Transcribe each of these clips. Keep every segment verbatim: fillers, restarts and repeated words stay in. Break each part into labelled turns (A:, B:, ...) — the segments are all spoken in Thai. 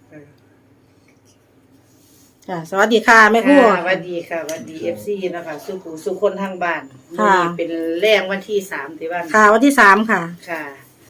A: จ้ะสวัสดีค่ะแม่ครู
B: สวัสดีค่ะสวัสดีเอฟซีนะคะสุขุสุคนทางบ้านนี่เป็นแรงวันที่สามที่บ้าน
A: ค่ะวันที่สามค่ะ
B: ค่ะ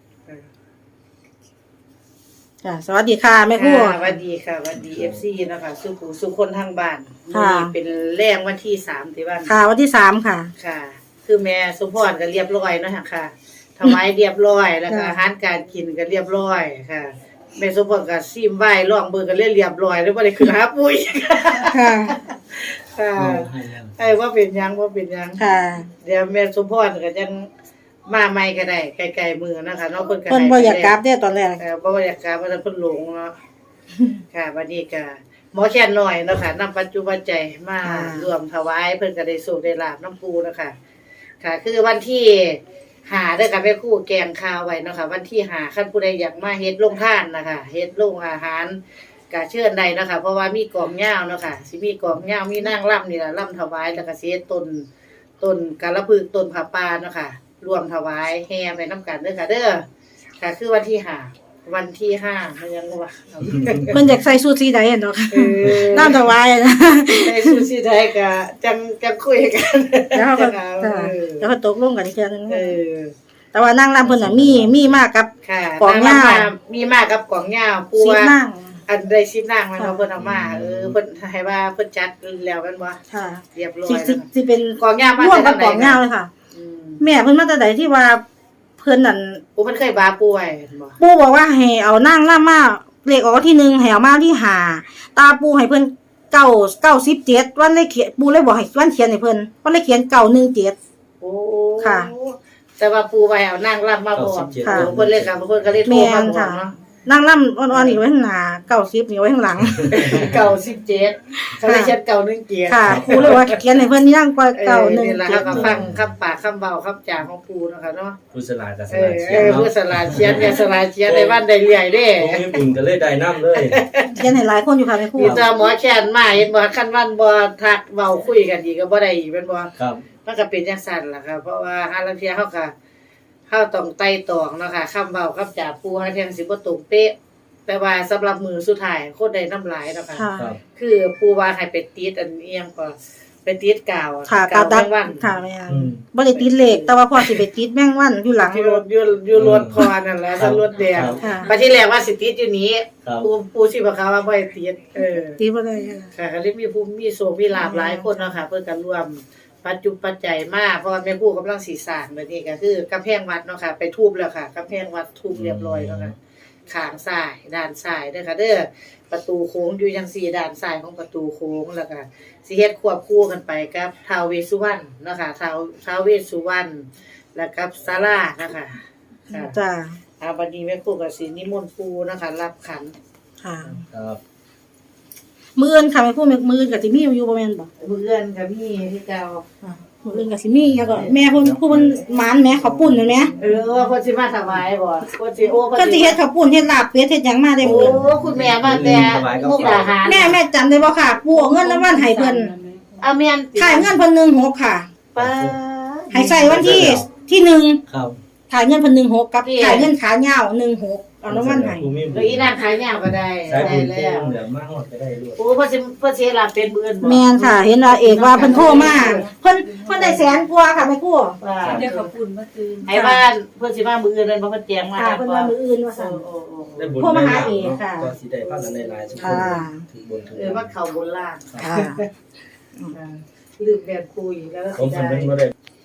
A: จ้ะสวัสดีค่ะแม่ครู
B: สวัสดีค่ะสวัสดีเอฟซีนะคะสุขุสุคนทางบ้านนี่เป็นแรงวันที่สามที่บ้าน
A: ค่ะวันที่สามค่ะ
B: ค่ะ คือแม่สมพรก็เรียบร้อยเนาะค่ะถวายเรียบร้อยแล้วก็อาหารการกินก็เรียบร้อยค่ะแม่สมพรก็ซิมไหว้ร้องเบิ่งก็เรียบร้อยแล้วบ่ได้ขึ้นหาปุ๋ย
A: ค่ะ
B: ค่ะไอ้ว่าเป็นยังว่าเป็นยัง
A: ค่ะ
B: เดี๋ยวแม่สมพรก็จังมาใหม่ก็ได้ไกลๆมือนะคะเนาะเพิ่นก็
A: เพิ่นบ่อยากกลับเด้ตอนแรก
B: เออบ่อยากกลับว่าเพิ่นหลงเนาะค่ะวันนี้ก็หมอแค่นน้อยเนาะค่ะนำปัจจุบันใจมารวมถวายเพิ่นก็ได้โชคได้ลาภน้ำปูเนาะค่ะค่ะคือวันที่ห้าเด้อค่ะแม่ครูแกงข้าวไว้เนาะค่ะวันที่ห้าคันผู้ใดอยากมาเฮ็ดโรงทานนะคะเฮ็ดโรงอาหารก็เชิญได้เนาะค่ะเพราะว่ามีกองยาวเนาะค่ะสิมีกองยาวมีนางรำนี่ล่ะรำถวายแล้วก็สิเฮ็ดต้นต้นกาลพึกษ์ต้นผาป่าเนาะค่ะรวมถวายแห่ไปนำกันเด้อค่ะเด้อค่ะคือวันที่ห้าวันที่ห้ามันยังว่า
A: เพิ่นอยากใส่สูทสีใดเนาะค่ะน้ำถวายนะ
B: ใส่สูทสีใดก็จังจังคุยกัน
A: แล้วก็แล้วก็ตกลงกันอีกเทื่อนึงเออแต่ว่านางรำเพิ่นน่ะมีมีมากกับ
B: กองยาวมีมากกับกองยาวปูว่าอันได้สิบนางมันเพิ่นเอามาเออเพิ่นให้ว่าเพิ่นจัดแล้วกันบ่
A: ค่ะ
B: เรียบร้อย
A: สิสิเป็น
B: กองยาวมา
A: ร่วมกับกองยาวเลยค่ะแม่เพิ่นมาแต่ใดที่ว่าเพิ่นนั่น
B: ปู่เพิ่นเคยบาปู่ไว้บ่
A: ปู่บอกว่าให้เอานางรำมาเลขออกที่หนึ่งให้เอามาที่ห้าตาปู่ให้เพิ่นเก้า เก้าสิบเจ็ดวันเลยเขียนปู่เลยบอกให้วันเขียนให้เพิ่นวันเลยเขียนเก้าหนึ่งเจ็ด
B: โอ้
A: ค่ะ
B: แต่ว่าปู่ไว้เอานางรำมาบอกค่ะเพิ่นเลยค่ะเพิ่นก็เลยโทรมาบอกเนาะ
A: นางรำอ่อนๆนี่ไว้ข้างหน้าเก้าสิบนี่ไว้ข้างหลัง
B: เก้าสิบเจ็ดเขาเลยเขียนเก้าหนึ่งเจ็ด
A: ค่ะปู่เลยว่าเขียนให้เพิ่นย่างกว่าเก้าหนึ่งเจ็ด
B: ก็ฟังคำปากคำเว้าคำจาของปู่เนาะค่ะเนาะ
C: ผู้สลาดกับส
B: ลาเขียนเออผู้สลาดเขียนอย่าสลาดเขียนได้บ้านได้เรื่อยเด้
C: ผมมีบุญก็เลยได้นำเลย
A: เขียนให้หลายคนอยู่ค่ะแม่ครู
B: มีแต่หมอแค้นมาเห็นบ่คันวันบ่ทักเว้าคุยกันอีกก็บ่ได้อีกแม่นบ่
C: ครับ
B: มันก็เป็นจังซั่นล่ะค่ะเพราะว่าหาลางเที่ยเฮาก็เฮาต้องไต่ตองเนาะค่ะคำเว้าคำจาปู่หาเที่ยสิบ่ตรงเป๊ะแต่ว่าสำหรับมือสุดท้ายคนได้น้ำลายเนาะค่ะคือปู่ว่าให้ไปติดอันเอียงก็ไปติดกาว
A: กาวแมงวันค่ะแม่นบ่ได้ติดเหล็กแต่ว่าพอสิไปติดแมงวันอยู่หลัง
B: รถอยู่อยู่รถพอนั่นแหละรถแดงบัดที่แรกว่าสิติดอยู่นี้ปู่ปู่สิบอกเขาว่าบ่ให้ติดเออ
A: ติดบ่ได้
B: ค่ะก็เลยมีผู้มีโชคมีลาภหลายคนเนาะค่ะเพิ่นก็ร่วมปัจจุปัจจัยมาเพราะว่าแม่ครูกำลังสิสร้างบัดนี้ก็คือกำแพงวัดเนาะค่ะไปทุบแล้วค่ะกำแพงวัดทุบเรียบร้อยแล้วค่ะข้างซ้ายด้านซ้ายเด้อค่ะเด้อประตูโค้งอยู่จังซี่ด้านซ้ายของประตูโค้งแล้วก็สิเฮ็ดควบคู่กันไปกับท้าวเวสสุวรรณเนาะค่ะท้าวท้าวเวสสุวรรณแล้วกับศาลานะคะ
A: ค่ะจ้า
B: อ่าบัดนี้แม่ครูก็สินิมนต์ปู่นะคะรับขัน
A: ค่ะ
C: ครับ
A: มื้ออื่นค่ะแม่ครูมื้ออื่นก็สิมีอยู่บ่แม่นบ่
B: มื้ออื่นก็มีคือเก่า
A: มื้ออื่นก็สิมีแล้วก็แม่เพิ่นผู้เพิ่นหมานแม่ข้าวปุ้นนั่นแหม
B: เออเพิ่นสิมาถวายบ่เพิ่นสิโอ้
A: เพิ่นสิเฮ็ดข้าวปุ้นเฮ็ดลาบเป็ดเฮ็ดหยังมาได้
B: โอ้คุณแม่มาแต่มุกดาหาร
A: แม่แม่จำได้บ่ค่ะปู่เอาเงินรางวัลให้เพิ่น
B: เอาแม่น
A: ถ่ายเงินเพิ่นหนึ่งหกค่ะ
B: ป้า
A: ให้ใส่วันที่ที่หนึ่ง
C: ครับ
A: ถ่ายเงินเพิ่นหนึ่งหกกับถ่ายเงินขายาวหนึ่งหกเอารางวัลให้
B: แล้วอีนางขายยาวก็ได้
C: ได้แล้วเดี๋ยวมาฮอดก็ได้ด้วย
B: โอ้เพิ่นสิเพิ่นสิลาบเป็นมื้ออื่น
A: แม่นค่ะเห็นว่าเอกว่าเพิ่นโทรมาเพิ่นเพิ่นได้แสนกว่าค่ะแม่ครู
B: เดี๋ยวขอบคุณมาคืนให้บ้านเพิ่นสิมามื้ออื่นนั่นบ่เพิ่นแจ้งมา
A: ค่ะเพิ่นว่ามื้ออื่นว่าซั่นโทรมาหาเอกค่ะ
C: ก็สิได้พากันได้หลายสุดถึงบนถึง
B: เออว่าเข้าบนล่าง
A: ค่ะ
B: ลืมแบบคุยแล้วก็
C: ผมสำเร็จบ่ได้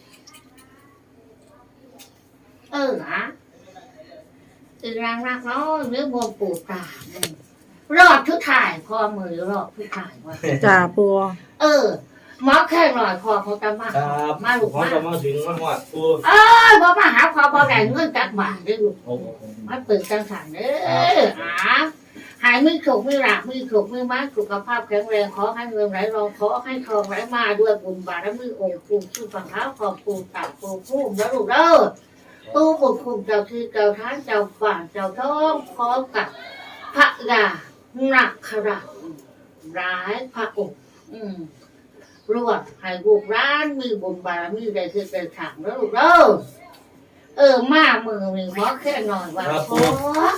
B: เออนะคือรังรักเนาะเรื่องมวลปู่ตารอดทุกถ่ายพอมือรอดทุกถ่ายว่า
A: จ้าปู่
B: เออหมอแค่หน่อยพอเขาจะมา
C: มาลูกมาจะมาถึงมาฮอดปู่
B: เออบ่มาหาพอบ่ได้เงินจักบาทเด้อลูกมาเปิดจังสั่นเด้อหาหายมือโขกมือหลักมือโขกมือม้าสุขภาพแข็งแรงขอให้เงินไหลรองขอให้ทองไหลมาด้วยบุญบารมีองค์ปู่ชื่อฝั่งเท้าขอบปู่ตาปู่ผู้แล้วลูกเด้อปู่บุญคุณเจ้าคือเจ้าท่านเจ้าฝ่าเจ้าท้องขอกับพระยาหนักขราร้ายพระองค์อืมรวดให้ลูกร้านมีบุญบารมีได้คือเป็นถังแล้วลูกเด้อเออมามือมีหมอแค่หน่อยว่าขอ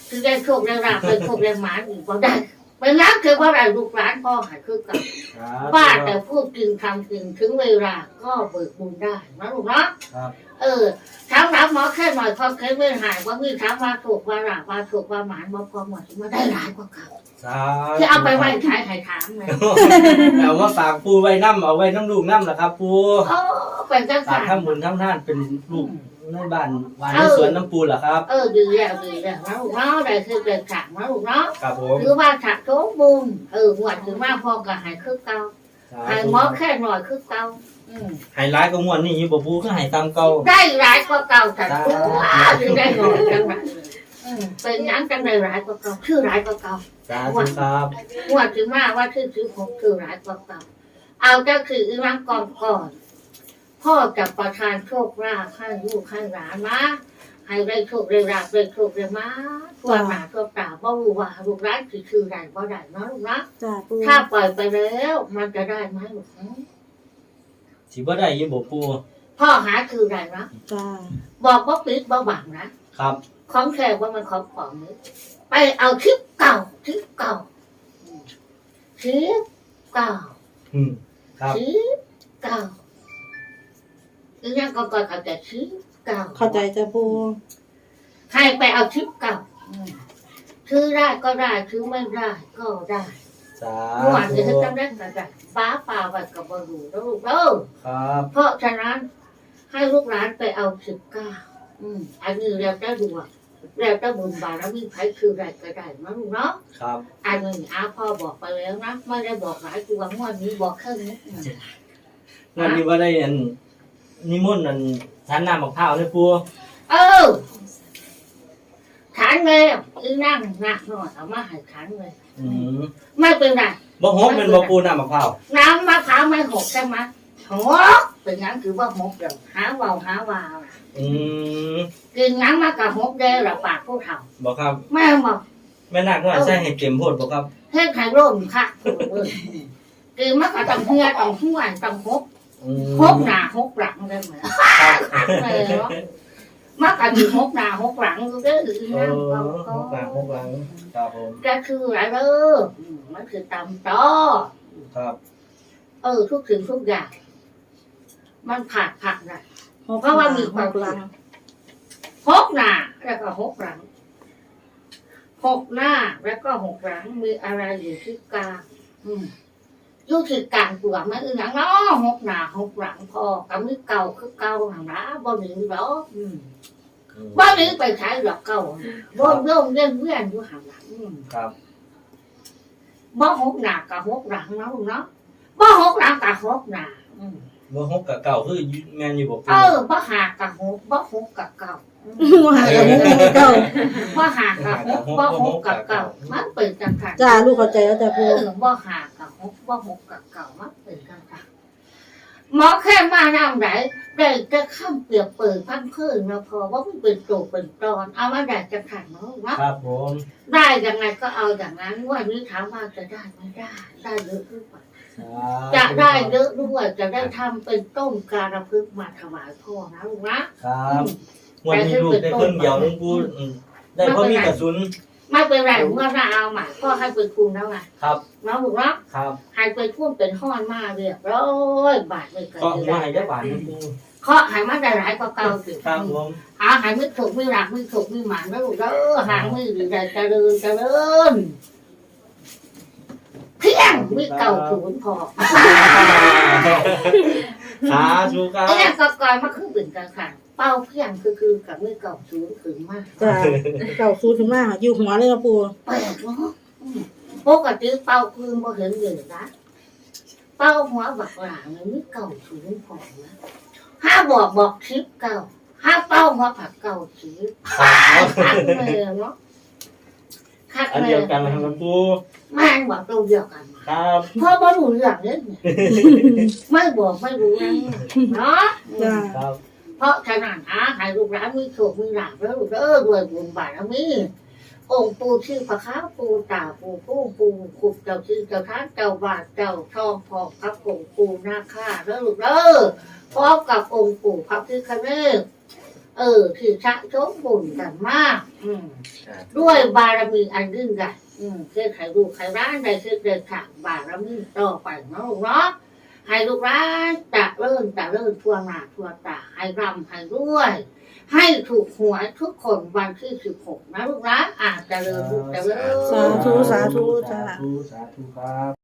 B: คือได้โชคได้ราบเป็นโชคได้หมานอีกบ่ได้เป็นงั้นคือว่าอะไรลูกหลานพ่อหายคือกับบ้าแต่พูดจริงทำจริงถึงเวลาก็เบิกบุญได้นะลูกเนาะ
C: ครับ
B: เออถามรับหมอแค่หน่อยพอเคยไม่หายว่ามีถามว่าถูกว่าราบว่าถูกว่าหมานบ่พอหมดมาได้หลายกว่าเก่า
C: สาธุ
B: ที่เอาไปไว้ขายขายถามเลย
C: เอามาฝากปูไว้น้ำเอาไว้น้ำลูกน้ำล่ะครับปู
B: โอ้เป็นจัง
C: ฝา
B: สั
C: ก
B: น
C: ทำบุญทำท่านเป็นลูกในบ้านบ้านในสวนน้ำปูล่ะครับ
B: เออดีแล้วดีแล้วนะลูกเนาะได้คือเป็นฉากนะลูกเนาะ
C: ครับผม
B: คือว่าฉากโชคบุญเออหวดถึงว่าพอกับหายคือเก่าหายหมอแค่หน่อยคือเก่าอืม
C: ไฮไลท์ก็ม่วนนี่อยู่บ่ปูก็ให้ตามเก่า
B: ได้ร้ายกว่าเก่าแต่ตัวถึงได้หน่อยจังหวะอืมเป็นหยังจังได้ร้ายกว่าเก่าชื่อร้ายกว่าเก่า
C: สาธุครับ
B: หวดถึงว่าว่าชื่อชื่อผมคือร้ายกว่าเก่าเอาก็คืออีรังก่อนก่อนพ่อจะประทานโชคลาภให้ลูกให้หลานนะให้ได้โชคได้ลาภได้โชคได้มาทั่วหน้าทั่วตาบ่รู้ว่าลูกร้านคือชื่อใดบ่ได้เนาะลูกนะ
A: จ้าปู
B: ถ้าปล่อยไปแล้วมันจะได้ไหมลูก
C: สิบ่ได้อยู่บ่ปู
B: พ่อหาคือใดนะ
A: จ้า
B: บอกว่าปิดบ่บังนะครับ ของแขกว่ามันของของนี้ไปเอาคลิปเก่าคลิปเก่าคลิปเก่า
C: อืมครับ
B: คลิปเก่าอีนั่นก็ก่อนเอาแต่คลิปเก่า
A: เข้าใจจ้าปู
B: ใครไปเอาคลิปเก่าอืมถือได้ก็ได้ถือไม่ได้ก็ได้
C: สา
B: เมื่อวาน
C: ธุ
B: จะจำได้ก็ได้ฟ้าป่าไว้กับบรูแล้วลูกเออ
C: ครับ
B: เพราะฉะนั้นให้ลูกหลานไปเอาสิบเก้าอืมอันนี้เราจะดูว่าเราจะบุญบารมีไผคืออะไรก็ได้นะลูกเนาะ
C: ครับ
B: อันนี้อาพ่อบอกไปแล้วนะไม่ได้บอกหลายตัวงวดนี้บอกแค่นี้อืม
C: วันนี้ว่าได้อันนิมนต์อันทานน้ำมะพร้าวเลยปู
B: เออฐานเลยอีนั่งหนักหน่อยเอามาให้ฐานเลย
C: อืม
B: ไม่เป็นไร
C: บ่หกเป็นบ่ปูน้ำมะพร้าว
B: น้ำมะพร้าวไม่หกใช่ไหมหกเป็นงั้นคือว่าหกเดี๋ยวหาเวาวหาวาว
C: อืม
B: กินน้ำมากับหกเด้อละปากผู้เฒ่า
C: บ่ครับ
B: แม่บอก
C: แม่นาคน้อยใส่ให้เต็มโพดบ่ครับ
B: เฮ็ดไข่ร่มค่ะคือมันก็ต้องเฮียต้องห้วนต้องหก
C: อืม
B: หกหน้าหกหลังได้ไหม
C: ครับ
B: เลยเนาะมันก็มีหกหน้าหกหลังก็ได้หรือ
C: เอ
B: นั่ง
C: อ
B: ก็
C: หกหลังหกหลังครับผม
B: ก็คืออะไรเด้ออืมมันคือตำต้อ
C: ครับ
B: เออทุกสิ่งทุกอย่าง มันผักผักนะ
A: เพราะว่ามีความลัง
B: หกหน้าแล้วก็หกหลังหกหน้าแล้วก็หกหลังมีอะไรอยู่ที่กลางอืม อยู่ที่กลางตัวมันอือหนังเนาะหกหน้าหกหลังพอกับมือเก่าคือเก่าหนังนะบ่หนีหรอกอืมบ่หนีไปใช้ดอกเก่าบ่โยมเล่นเวียนอยู่ห่างหลังอืม
C: ครับ
B: บ่หกหน้ากับหกหลังเนาะลูกเนาะบ่หกหลังกับหกหน้าอืม
C: บ่หกกับเก่าคือแม่นอยู่บ่ปู
B: เออบ่หากับหกบ่หกกับเก่าอืม
A: ว่าหากับมุกเก่า
B: บ่หากับหกบ่หกกับเก่ามันเป็นจังซั่น
A: จ้าลูกเข้าใจแล้วจ้า
B: เอ
A: ปู
B: อบ่หากับหกบ่หกกับเก่ามันเป็นจังซั่นหมอแค่มาน้ำไหนได้จะข้ามเปรียบเปิดพันเพิ่นนะพอว่ามันเป็นโตเป็นตอนเอามาได้จะขันเนาะวะ
C: ครับผม
B: ได้ยังไงก็เอาอย่างนั้นวันนี้ถามว่าจะได้ไม่ได้ ได้เยอะหรือเปล่าจะได้เยอะด้วยจะได้ทำเป็นต้มการะพึกมาถวายพ่อนะลูกนะครับ
C: วันนี้ลูกได้เพิ่นเดียวนึงปูอืมได้เพราะมีกระสุน
B: ไม่เป็นไรเมื่อเราเอาใหม่พ่อให้เป็นคุณแล้วไง
C: ครับ
B: น้องลูกนะครับ ให้เป็นคุณเป็นห้อนมาเรียบร้อยบาทเลยกัน
C: ก็ว่าให้ได้บาทนึงปู
B: เคาะให้มันได้หลายกว่าเก่าสิ
C: ครับผม
B: หาหายไม่ถูกไม่หลักไม่ถูกไม่หมันแล้วลูกเด้อหางไม่หรือใดเจริญเจริญเพียงไม่เก่าศูนย์พอ
C: สาธุครับ
B: ไอ้เนี่ยก็ก่อนมาคือเป็นกันค่ะเป้าเพียงคือคือกับไม่เก่าศูนย์ถึงมาก
A: จ้าเก่าซูถึงมากอยู่หัวเลยจ้าปู
B: แปลกเนาะอืมปกติเป้าคือบ่เห็นเลยนะเป้าหัวบักหลางเนี่ยไม่เก่าศูนย์พอนะห้าบอกบอกคลิปเก่าห้าเป้าหัวผักเก่าคลิปคักเลยเนาะคัก
C: อัน
B: เล
C: เดีย
B: ยว
C: กันนะครับปู
B: แม่งบอกตัวเดียวกัน
C: ครับ
B: พ่อบ่รู้เรื่องเลยเนี่ยไม่บอกไม่รู้นะเนาะ
A: จ้า
C: ครับ
B: เพราะฉะนั้นอาให้ลูกหลานมีโชคมีลาภแล้วลูกเด้อด้วยบุญบารมีองค์ปู่ชื่อพระค้าปู่ตาปู่ปู่ปู่ขุบเจ้าชื่อเจ้าท่านเจ้าบาทเจ้าทองพอกกับองค์ปู่นาคาแล้วลูกเด้อพร้อมกับองค์ปู่พระพิฆเนศเออคือสะสมบุญกันมาก อืมด้วยบารมีอันยิ่งใหญ่อืมคือใครดูใครร้านใดคือเดินทางบารมีต่อไปเนาะลูกเนาะให้ลูกร้านจะเริ่มจะเริ่มทั่วหน้าทั่วตาให้ร่ำให้รวย ให้ถูกหวยทุกคนวันที่สิบหกนะลูกนะอาจจะเริ่มลูกจะเริ่ม
A: สาธุสาธุจ้า
C: สาธุสาธุครับ